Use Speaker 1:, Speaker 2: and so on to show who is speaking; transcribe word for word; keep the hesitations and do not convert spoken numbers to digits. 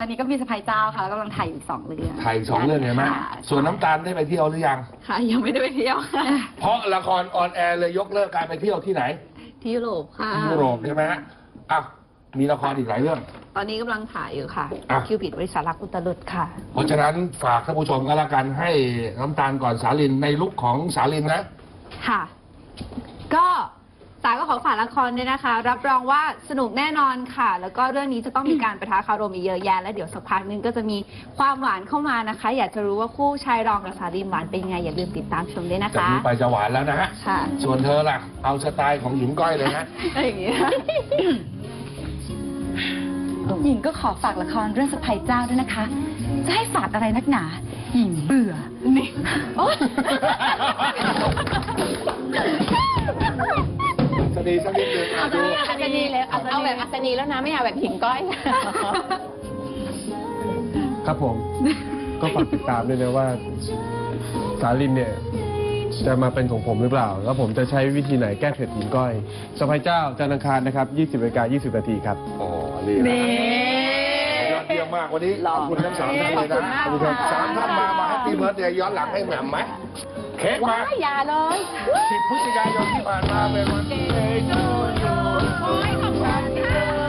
Speaker 1: ตอนนี้ก็มีสะพายเจ้าค่ะแล้วกำลังถ่ายอยู่สองเรื่อง
Speaker 2: ถ่ายสองเรื่องเห็นไหมส่วนน้ำตาลได้ไปเที่ยวหรือยัง
Speaker 3: ค่ะยังไม่ได้ไปเที่ยวค่ะ
Speaker 2: เพราะละครออนแอร์เลยยกเลิกการไปเที่ยวที่ไหน
Speaker 3: ที่ยุโรปค่ะ
Speaker 2: ที่ยุโรปใช่ไหมฮะอ่ะมีละครอีกหลายเรื่อง
Speaker 3: ตอนนี้กำลังถ่ายอยู่ค่ะ
Speaker 2: อ่ะ
Speaker 3: คิวปิดบริษัทรักอุตรุดค่ะ
Speaker 2: เพราะฉะนั้นฝากท่านผู้ชมก็แล้วกันให้น้ำตาลก่อนสาลินในลุคของสาลินนะ
Speaker 3: ค่ะ ก็สายก็ขอฝากละครด้วยนะคะ รับรองว่าสนุกแน่นอนค่ะ แล้วก็เรื่องนี้จะต้องมีการประทะคารมอีกเยอะแยะแล้วเดี๋ยวสักพักนึงก็จะมีความหวานเข้ามานะคะ อยากจะรู้ว่าคู่ชายรองกับสาลินหวานเป็นยังไงอย่าลืมติดตามชมด้วยนะ
Speaker 2: จาก
Speaker 3: คะ
Speaker 2: นี้ไปจะหวานแล้วนะฮะ
Speaker 3: ค่ะ
Speaker 2: ส่วนเธอล่ะ เอาสไตล์ของหญิงก้อยเลยนะ
Speaker 3: อะไรอย่างเงี้ย
Speaker 1: หญิงก็ขอฝากละครเรื่องสะพายเจ้าด้วยนะคะ จะให้ฝากอะไรนักหนา หญิงเบื่อ นี่โอ๊ย
Speaker 2: สนีสักนิดหนึงอ่ะดู
Speaker 3: อัศนีเลยเอาแบบอัศนีแล้วนะไม่เอาแบบหิงก้อย
Speaker 4: ครับผม ก็ฝากติดตามด้วยนะว่าสาลินเนี่ยจะมาเป็นของผมหรือเปล่า แล้วผมจะใช้วิธีไหนแก้เผ็ดหญิงก้อยสะพายเจ้าจันทร์อังคารนะครับยี่สิบนาฬิกายี่สิบนาทีครับ
Speaker 2: โอ้นี่นะยอดเยี่ยมมากวันนี้ขอบคุณทั้งสามท่านเลยนะ
Speaker 3: ขอบคุณมากค่ะ
Speaker 2: สามท่านมามาแฮปปี้เบิร์ดเดย์ย้อนหลังให้แหม่มไหมเค้กมา
Speaker 3: อย่าเลย
Speaker 2: สิบพฤศจิกายนที่ผ่านมาเป็นวันเดย์ทูยูขอให้ขอบคุณค่ะ